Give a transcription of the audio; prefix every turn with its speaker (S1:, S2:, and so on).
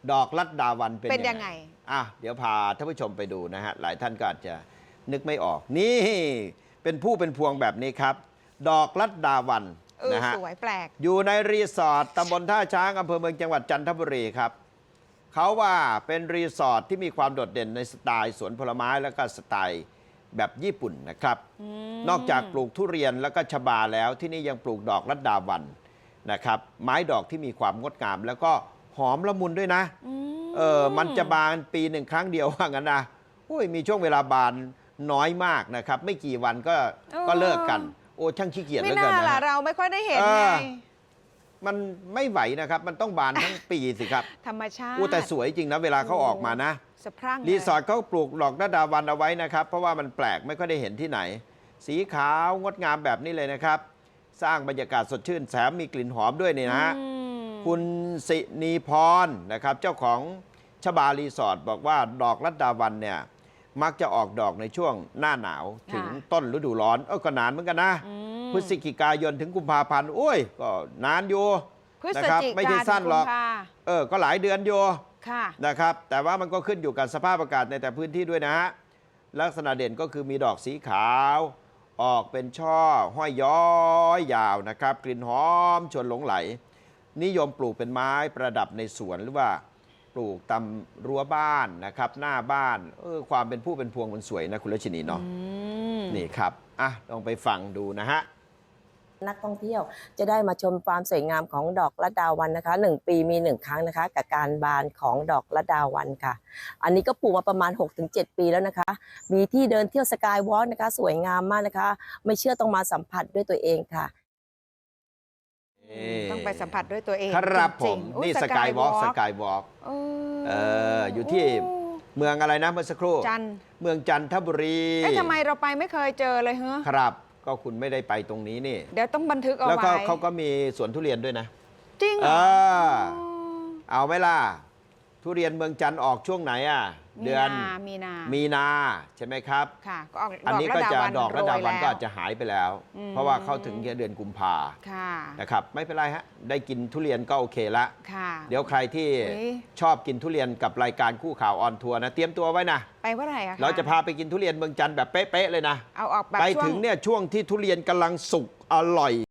S1: ดอกลัดดาวันเป็น
S2: ยังไง
S1: เดี๋ยวพาท่านผู้ชมไปดูนะฮะหลายท่านก็อาจจะนึกไม่ออกนี่เป็นผู้เป็นพวงแบบนี้ครับดอกลัดดาวันนะฮะ
S2: สวยแปลก
S1: อยู่ในรีสอร์ทตำบลท่าช้างอำเภอเมืองจังหวัดจันทบุรีครับเขาว่าเป็นรีสอร์ทที่มีความโดดเด่นในสไตล์สวนผลไม้แล้วก็สไตล์แบบญี่ปุ่นนะครับนอกจากปลูกทุเรียนแล้วก็ชบาแล้วที่นี่ยังปลูกดอกลัดดาวันนะครับไม้ดอกที่มีความงดงามแล้วก็หอมละมุนด้วยนะมันจะบานปีหนึ่งครั้งเดียวว่างั้นนะมีช่วงเวลาบานน้อยมากนะครับไม่กี่วันก็เลิกกันช่างขี้เกียจเหลือเกินนะ
S2: ไม่น่าล่ะเราไม่ค่อยได้เห็นไง
S1: มันไม่ไหวนะครับมันต้องบานทั้งปีสิครับ
S2: ธรรมชาติ
S1: แต่สวยจริงนะเวลาเขาออกมานะ
S2: สะพรั่ง
S1: รีสอร์ทเขาปลูกดอกลัดดาวันเอาไว้นะครับเพราะว่ามันแปลกไม่ค่อยได้เห็นที่ไหนสีขาวงดงามแบบนี้เลยนะครับสร้างบรรยากาศสดชื่นแถมมีกลิ่นหอมด้วยนี่นะฮะคุณสินีพรนะครับเจ้าของชบารีสอร์ทบอกว่าดอกลัดดาวันเนี่ยมักจะออกดอกในช่วงหน้าหนาวถึงต้นฤดูร้อนก็นานเหมือนกันนะพฤศจิกายนถึงกุมภาพันธ์ก็นานอยู่นะครับไม่ใช่สั้นหรอกก็หลายเดือนอยู่นะครับแต่ว่ามันก็ขึ้นอยู่กับสภาพอากาศในแต่พื้นที่ด้วยนะฮะลักษณะเด่นก็คือมีดอกสีขาวออกเป็นช่อห้อยย้อยยาวนะครับกลิ่นหอมชวนหลงไหลนิยมปลูกเป็นไม้ประดับในสวนหรือว่าปลูกตามรั้วบ้านนะครับหน้าบ้านความเป็นผู้เป็นพวงมันสวยนะคุณรัชนีเนาะนี่ครับลองไปฟังดูนะฮะ
S3: นักท่องเที่ยวจะได้มาชมความสวยงามของดอกลัดดาวันนะคะ1 ปีมี1 ครั้งนะคะกับการบานของดอกลัดดาวันค่ะอันนี้ก็ปลูกมาประมาณ 6-7 ปีแล้วนะคะมีที่เดินเที่ยวสกายวอล์กนะคะสวยงามมากนะคะไม่เชื่อต้องมาสัมผัสด้วยตัวเองค่ะ
S2: ต้องไปสัมผัสด้วยตัวเอง
S1: ครับผมนี่สกายวอล์กอยู่ที่เมืองอะไรนะเมื่อสักครู่เมืองจันทบุรี
S2: ทำไมเราไปไม่เคยเจอเลยเหรอ
S1: ครับก็คุณไม่ได้ไปตรงนี้นี่
S2: เดี๋ยวต้องบันทึกเอาไว้
S1: แล้วก็เขาก็มีสวนทุเรียนด้วยนะ
S2: จริงเหรอ
S1: เอาไหมล่ะทุเรียนเมืองจันทร์ออกช่วงไหนเดือนมีนาใช่ไหมครับ
S2: ค่ะก็ออก
S1: อันนี้ก็จะดอกลัดดาวันก็อาจจะหายไปแล้วเพราะว่าเข้าถึงเดือนกุมภานะครับไม่เป็นไรฮะได้กินทุเรียนก็โอเคละเดี๋ยวใครที่ชอบกินทุเรียนกับรายการคู่ข่าวออนทัวร์นะเตรียมตัวไว้นะ
S2: ไปเมื่อไหร่
S1: เราจะพาไปกินทุเรียนเมืองจันทร์แบบเป๊ะๆเลยนะ
S2: เอาออกแบบ
S1: ไปถึงเนี่ยช่วงที่ทุเรียนกำลังสุกอร่อย